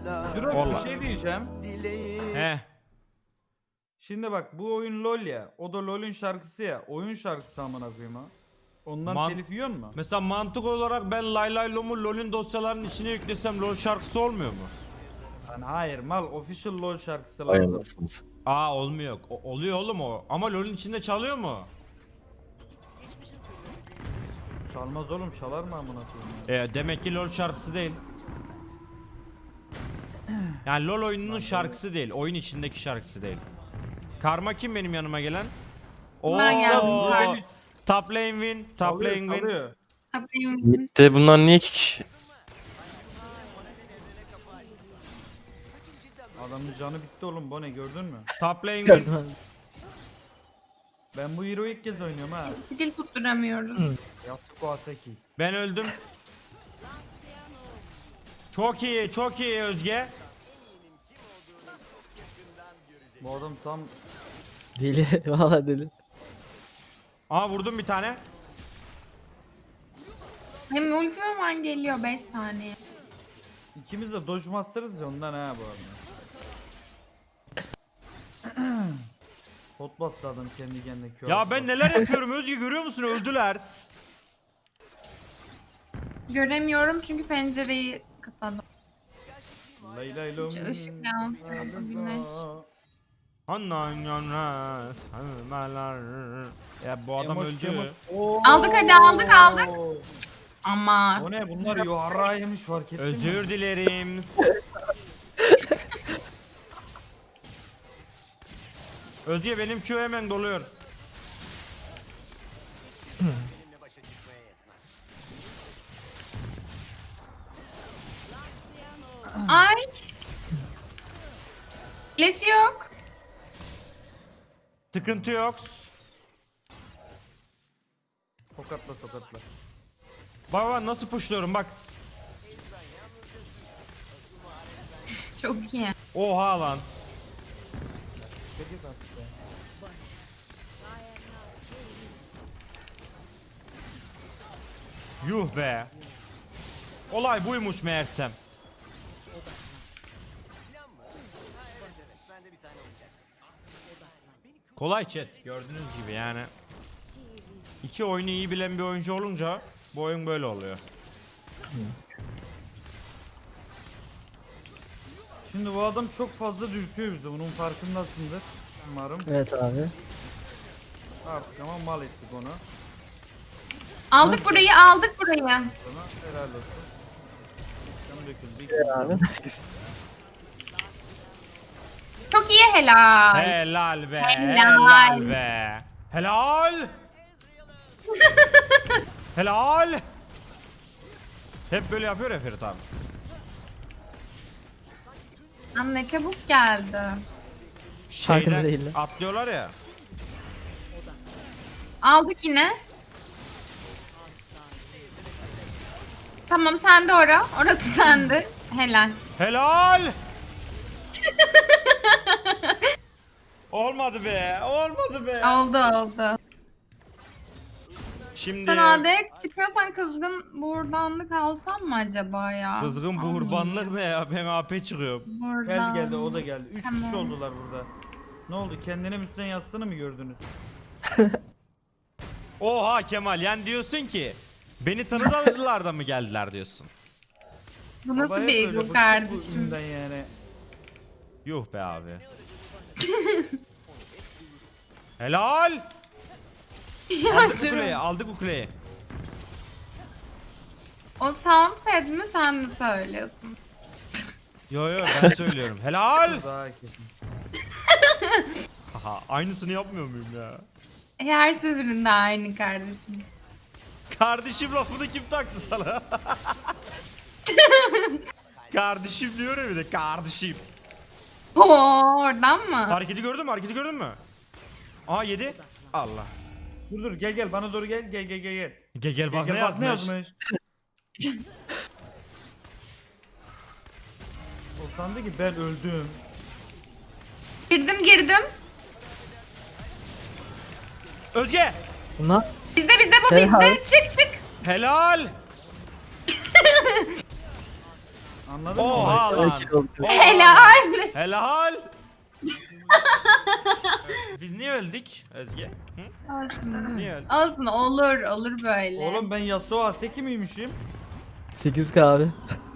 Jurox Vallahi. bir şey diyeceğim. He. Şimdi bak bu oyun LoL ya. O da LoL'ün şarkısı ya. Oyun şarkısı amına koyayım ha. Ondan Man- telif yiyor mu? Mesela mantık olarak ben Lay Lay Lom'u LoL'ün dosyalarının içine yüklesem LoL şarkısı olmuyor mu? Lan hayır mal official LoL şarkısı Vay lazım. anasını satayım. Aa olmuyor. Oluyor oğlum o. Ama LoL'ün içinde çalıyor mu? Çalmaz oğlum çalar mı amına koyayım? Demek ki LoL şarkısı değil. Yani LoL oyununun şarkısı değil. Oyun içindeki şarkısı değil. Karma kim benim yanıma gelen? Ben geldim. Oo, Top lane win. Top lane win. Çalıyor. Mid'de bunlar niye 2 kişi? Adamın canı bitti oğlum bu ne gördün mü? Top lane win. Ben bu hero ilk kez oynuyorum ha. Skill tutturamıyoruz. Yasuko Asaki. Ben öldüm. Çok iyi, çok iyi Özge. Bu adam tam Deli. Valla deli. Aa vurdum bir tane. Hem ultim hemen geliyor 5 saniye. ikimiz de Dodge Master'ız ya ondan ha bu arada. Hot bastı adam kendi kendine kör. Ya ben neler yapıyorum Özge görüyor musun? Öldüler. Göremiyorum çünkü pencereyi kapadım. Lay lay lom. Işık yansıyor, güneş. Ya bu adam Emoş, öldü. emoş. Oo. Aldık hadi, aldık. Ama O ne bunlar yuvarrağı yemiş fark ettin mi? Özür dilerim. Özge benim Q hemen doluyor. ay. Flash yok. Sıkıntı yok. Tokatla tokatla. Bak bak nasıl pushluyorum bak. Çok iyi. Oha lan. Peki artık ya. Yuh be. Olay buymuş meğersem. Kolay chat gördüğünüz gibi yani. İki oyunu iyi bilen bir oyuncu olunca bu oyun böyle oluyor. Şimdi bu adam çok fazla dürtüyor bizi. Bunun farkındasındır. Umarım. Evet abi. Artık ama mal ettik onu. Aldık burayı, aldık burayı. Sonra helal olsun. Canı döküldü. Abi. Çok iyi, helal. Helal be. Helal. Helal be. Helal. Helal. Hep böyle yapıyor ya Ferit abi. Lan ne çabuk geldi. Farkında değiller. Atlıyorlar ya. Aldık yine. Tamam sende ora. Orası sende. Helal. Helal. Olmadı be. Olmadı be. Oldu oldu. Şimdi Sen AD'ye çıkıyorsan kızgın buğurdanlık alsam mı acaba ya? kızgın buhurbanlık ne ya? Ben AP çıkıyorum. Geldi geldi o da geldi. 3 kişi Tamam. oldular burada. Ne oldu? Kendine müsten yazsını mı gördünüz? Oha Kemal yani diyorsun ki beni tanıdılar da mı geldiler diyorsun. Bu nasıl Baba hep bir öyle, ego bıktık bu kardeşim? üründen yani. Yuh be abi. Helal. Ya Aldık bu şunu. kuleyi, aldık bu kuleyi. O soundpad mi sen mi söylüyorsun? Yo yo ben söylüyorum. Helal. Daha kesin. Haha aynısını yapmıyor muyum ya? Her seferinde aynı kardeşim. Kardeşim lafını kim taktı sana? Kardeşim diyor ya bir de kardeşim. Oo, oradan mı? Hareketi gördün mü? Hareketi gördün mü? Aa yedi. Allah. Dur gel gel bana doğru gel gel gel gel gel. Gel bak Gel, ne bak ne yazmış. yazmış. O sandı ki ben öldüm. Girdim. Özge. Bunlar Bizde bu Helal. bizde. Çık. Helal. Anladın mı? Oha lan. Sakin ol. Oha. Helal. Helal. Biz niye öldük Özge? Hı? Olsun. Niye öldük? Olsun, olur böyle. Oğlum ben Yasuo Aseki miymişim? 8K abi.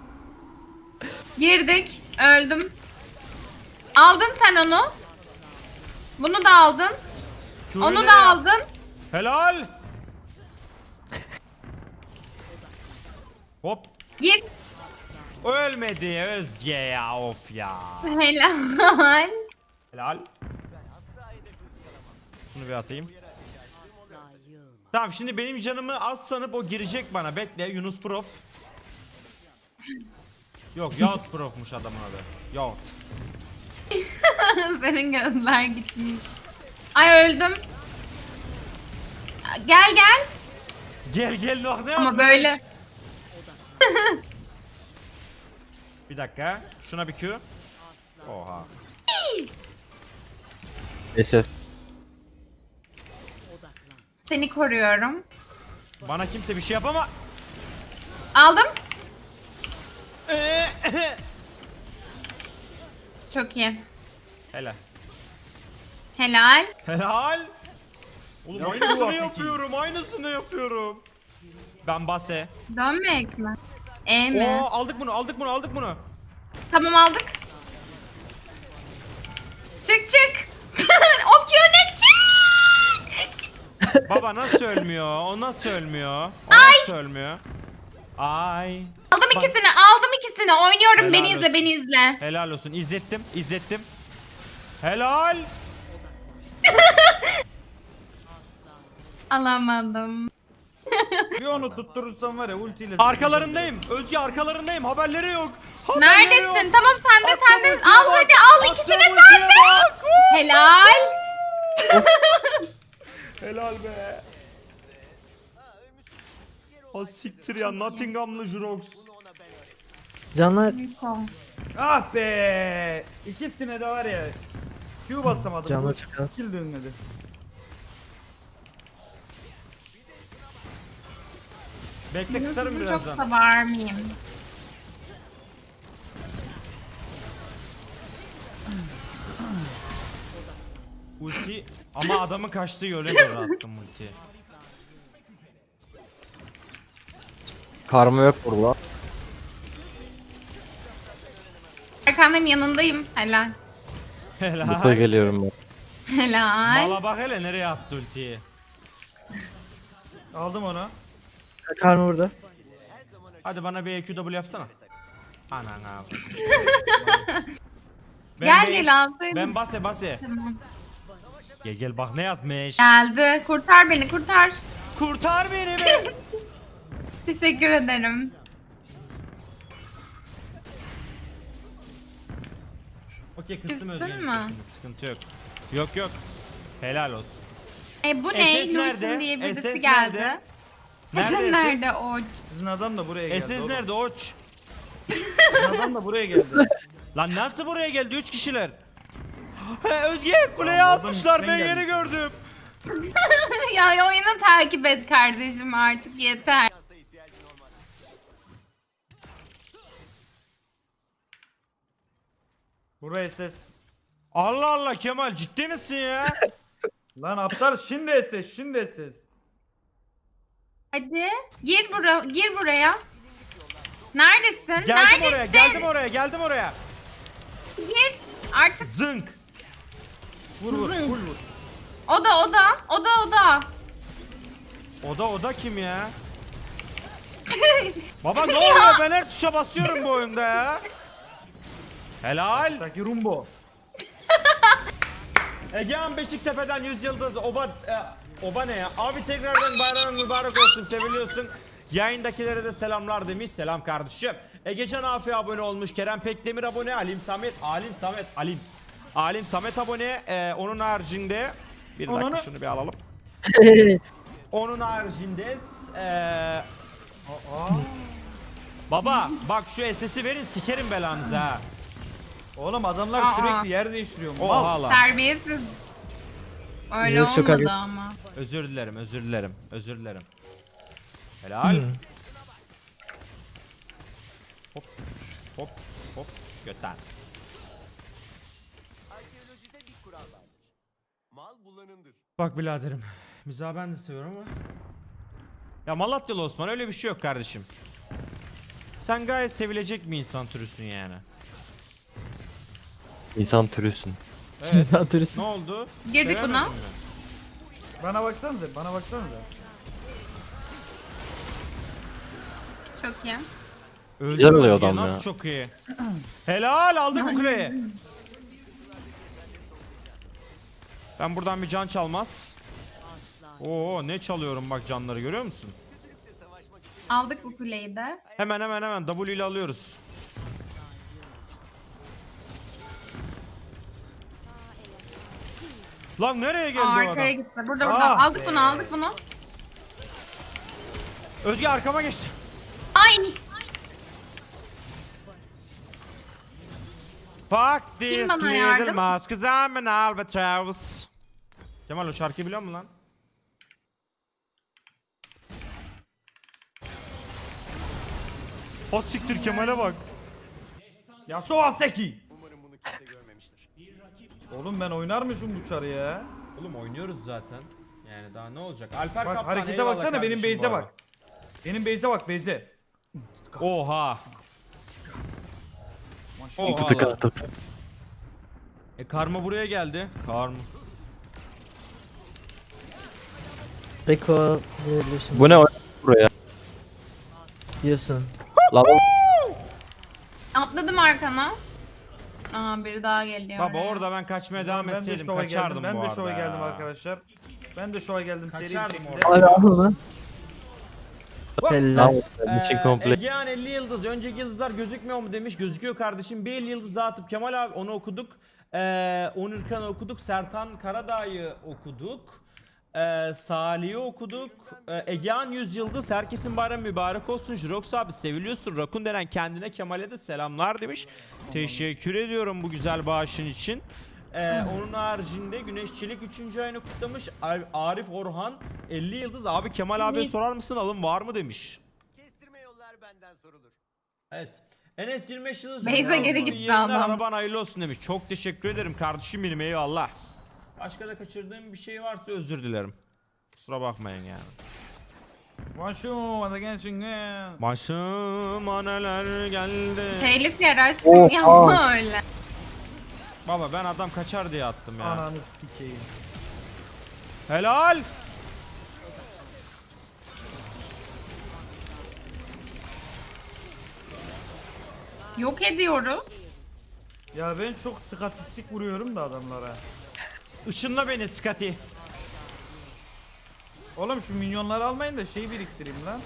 Girdik. Öldüm. Aldın sen onu. Bunu da aldın. Onu Şöyle. da aldın. Helal. Hop. Gir. Ölmedi Özge ya, of ya. Helal. Helal. Şunu bir atayım. Tamam, şimdi benim canımı az sanıp o girecek bana. Bekle, Yunus Prof. Yok, Yahut Prof'muş adamın adı. Yahut. Senin gözler gitmiş. Ay öldüm. Gel gel. Gel gel, ne Ama yapmış? böyle. Bir dakika, şuna bir Q. Oha. Neyse. Seni koruyorum. Bana kimse bir şey yapama. Aldım. Çok iyi. Helal. Helal. Helal. Oğlum Yapıyor aynısını Aseki. yapıyorum, aynısını yapıyorum. Ben base. Dönmek mi? E mi? Oo, aldık bunu, aldık bunu, aldık bunu. Tamam aldık. Çık çık. O Q ne çık? Baba nasıl ölmüyor? O nasıl ölmüyor? O nasıl ölmüyor? Ay. Aldım Bak- ikisini, aldım ikisini. Oynuyorum, Helal beni izle, olsun. beni izle. Helal olsun. İzlettim, izlettim. Helal. Alamadım. Bir onu tutturursam var ya ultiyle. Arkalarındayım. Özge arkalarındayım. Haberleri yok. Haberleri Neredesin? yok. Tamam sende, Attım sende. ultiye Al bak. hadi, al Attım ikisini ultiye sende. bak. Helal. Helal be. Ha siktir ya, Nottingham'lı Jurox. Canlar. Ah be! İkisine de var ya. Q basamadım. Canlar çok az. Kill dönmedi. Bekle, kısarım Çok birazdan. sever miyim? Ulti ama adamın kaçtığı yöne doğru attım ulti. Karma yok burada. Arkandayım, yanındayım. Helal. Burada Helal. geliyorum ben. Helal. Mala bak hele nereye attı ultiyi. Aldım onu. Karma burada. Hadi bana bir EQW yapsana. Anan abi. Gel gel alsaydın. Ben base base. Tamam. Gel gel bak ne yazmış. Geldi. Kurtar beni, kurtar. Kurtar beni be. Teşekkür ederim. Okey, kıstım Küstün Özge'nin mü? sesini, sıkıntı yok. Yok yok. Helal olsun. Bu SS ne? Lucian nerede? diye birisi SS geldi. nerede? Sen Nerede? nerede o? Sizin adam da buraya geldi. SS oğlum. nerede oç? Sizin adam da buraya geldi. Lan nasıl buraya geldi? 3 kişiler. He, Özge kuleye Tamam, oradan atmışlar, ben üstten yeni gelmiş. gördüm. Ya oyunu takip et kardeşim, artık yeter. Buraya ses. Allah Allah Kemal, ciddi misin ya? Lan aptal şimdi ses, şimdi ses. Hadi gir buraya. Neredesin? Geldim Neredesin? oraya, geldim oraya, geldim oraya. Gir. Artık Zınk. Vur vur, Zınk. full vur. o da. Oda kim ya? Baba ne oluyor? Ben her tuşa basıyorum bu oyunda ya. Helal. Taki Rumbo. Egehan Beşiktepe'den 100 yıldız. Oba ne ya? Abi tekrardan bayramın mübarek olsun, seviliyorsun. Yayındakilere de selamlar demiş. Selam kardeşim. Egecan Afi abone olmuş. Kerem Pekdemir abone. Alim Samet abone. Onun haricinde bir dakika Onu- şunu bir alalım. Onun haricinde baba bak şu SS'i verin, sikerim belanızı ha. Oğlum adamlar Aa. sürekli yer değiştiriyor. Oha Mal. lan. Terbiyesiz. Öyle Yok, çok olmadı agresif. ama. Özür dilerim. Helal. Hop. hop hop götten. Arkeolojide bir kural vardır. Mal bulanındır. Bak biraderim. Mizahı ben de seviyorum ama. Ya Malatyalı Osman öyle bir şey yok kardeşim. Sen gayet sevilecek bir insan türüsün yani. İnsan türüsün. Evet. İnsan turist. Ne oldu? Girdik Sevemedin buna. mi? Bana baksanıza, bana baksanıza. Çok iyi. Öldü Güzel oluyor Özge, adam nasıl ya. çok iyi. Helal aldık bu kuleyi. Ben buradan bir can çalmaz. Oo ne çalıyorum bak canları görüyor musun? Aldık bu kuleyi de. Hemen W ile alıyoruz. Lan nereye geldi o Arkaya adam? gitti. Burada Ah Aldık be. bunu aldık bunu. Özge arkama geçti. Ay. Fuck this bana little yardım? mouse 'cause I'm an albatross. Kemal o şarkıyı biliyor musun lan? O siktir Kemal'e bak. Yasuo Aseki. Umarım bunu kimse görmemiştir. Oğlum ben oynar bu çarı ya? Oğlum oynuyoruz zaten. Yani daha ne olacak? Alper Bak Kaptan harekete eyvallah baksana, benim kardeşim bu base'e arada. bak. Benim base'e bak, base'e. Oha. Maşallah. Oha. Tık attı. Karma buraya geldi. Karma. Eko diyebiliyorsun. Bu ne buraya? Diyorsun. Lan Atladım arkana. Aa biri daha geliyor. Baba oraya. orada ben kaçmaya devam Ben de etseydim şova kaçardım geldim. bu Ben de arada şova geldim ya. arkadaşlar. Ben de şova geldim seri bir Kaçardım şekilde. orada. Abi al onu. Helal. için komple. Egehan 50 yıldız. Önceki yıldızlar gözükmüyor mu demiş. Gözüküyor kardeşim. Bir 50 yıldız daha atıp Kemal abi onu okuduk. Onurkan'ı okuduk. Sertan Karadağ'ı okuduk. Salih'i okuduk. Egehan 100 yıldız. Herkesin bayramı mübarek olsun. Jirox abi seviliyorsun. Rakun denen kendine Kemal'e de selamlar demiş. Teşekkür ediyorum bu güzel bağışın için. Onun haricinde Güneş Çelik 3. ayını kutlamış. Arif Orhan 50 yıldız. Abi Kemal abiye Ne? sorar mısın alım var mı demiş. Kestirme yollar benden sorulur. Evet. Enes 25 yıldız. Beyza Yavrum, geri gitti yayınlar, adam. Araban hayırlı olsun demiş. Çok teşekkür ederim kardeşim benim eyvallah. Başka da kaçırdığım bir şey varsa özür dilerim. Kusura bakmayın yani. Maşum hadi gençsin ya. Başıma neler geldi. Telif yer aşkım Oha. yapma öyle. Baba ben adam kaçar diye attım ya. Ananı sikeyim. Helal. Yok ediyoruz. Ya ben çok statistik vuruyorum da adamlara. Işınla beni Scotty. Oğlum şu minyonları almayın da şeyi biriktireyim lan.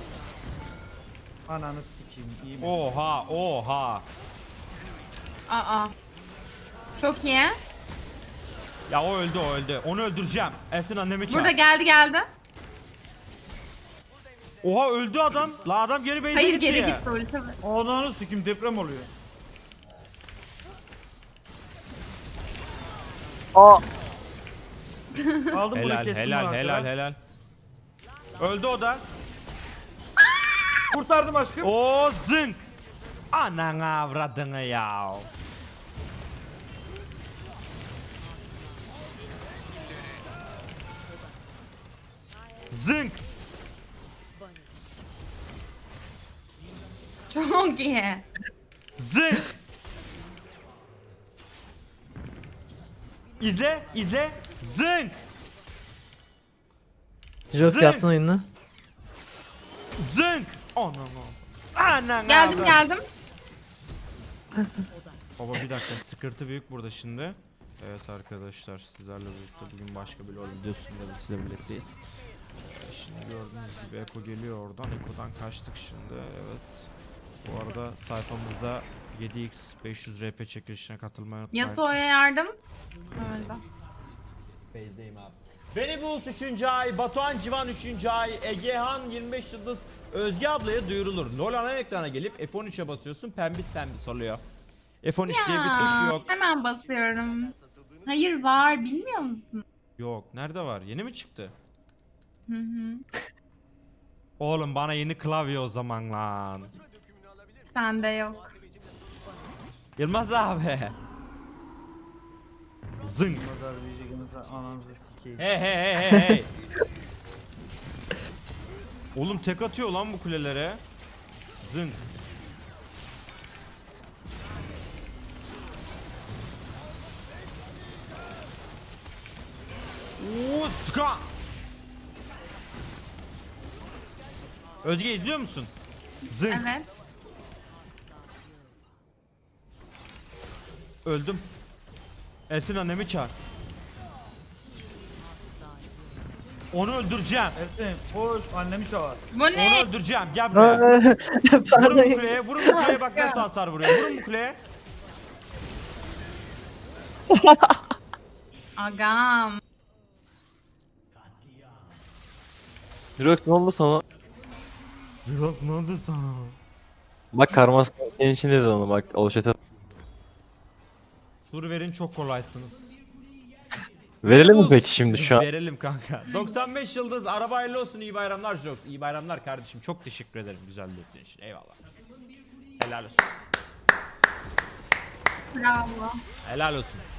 Ananı sikeyim iyi mi? Oha oha. Aa. Çok iyi. Ya o öldü o öldü. Onu öldüreceğim. Ersin annemi çağır. Burada geldi. Oha öldü adam. La adam geri base'e Hayır gitti. geri gitti ulti. Ananı sikeyim deprem oluyor. Aa. Aldım bunu Helal kestim helal bunu helal arkadan. helal. Öldü o da. Kurtardım aşkım. O zınk. Anan avradını ya. Zınk. Çok iyi. Zınk. İzle, izle. Zınk. Jox Zing. yaptın oyunu. Zınk. Anan. Anan Geldim avradını. geldim. Baba bir dakika sıkıntı büyük burada şimdi. Evet arkadaşlar sizlerle birlikte bugün başka bir LoL videosunda sizle birlikteyiz. Şimdi gördüğünüz gibi Eko geliyor oradan. Eko'dan kaçtık şimdi evet. Bu arada sayfamızda 7x 500 RP çekilişine katılmayı unutmayın. Yasuo'ya yardım. Öldü. Base'deyim abi. Beni Bulls 3. ay, Batuhan Civan 3. ay, Egehan 25 yıldız, Özge ablaya duyurulur. LoL ana ekrana gelip F13'e basıyorsun pembis oluyor. F13 diye bir tuş yok. Hemen basıyorum. Hayır var bilmiyor musun? Yok nerede var? Yeni mi çıktı? Hı hı. Oğlum bana yeni klavye o zaman lan. Sende yok. Yılmaz abi. Zınk. Pazar büyüyeceğinize ananızı sikeyim. Hey hey hey hey hey. Oğlum tek atıyor lan bu kulelere. Zınk. Utka. Özge izliyor musun? Zınk. Evet. Öldüm. Ersin annemi çağır. Onu öldüreceğim. Ersin koş annemi çağır. Bu Onu ne? öldüreceğim. Gel buraya. Vurun bu Pardon. kuleye. Vurun bu kuleye. Bak nasıl hasar vuruyor. Vurun bu kuleye. Agam. Jirox ne oldu sana? Yok ne oldu sana? Bak karması senin için dedi onu bak. O chat'e. Soru verin çok kolaysınız. Verelim mi peki şimdi şu an? Verelim kanka. 95 yıldız araba hayırlı olsun, iyi bayramlar Jox. İyi bayramlar kardeşim, çok teşekkür ederim güzel dörtlüğün için, eyvallah. Helal olsun. Bravo. Helal olsun.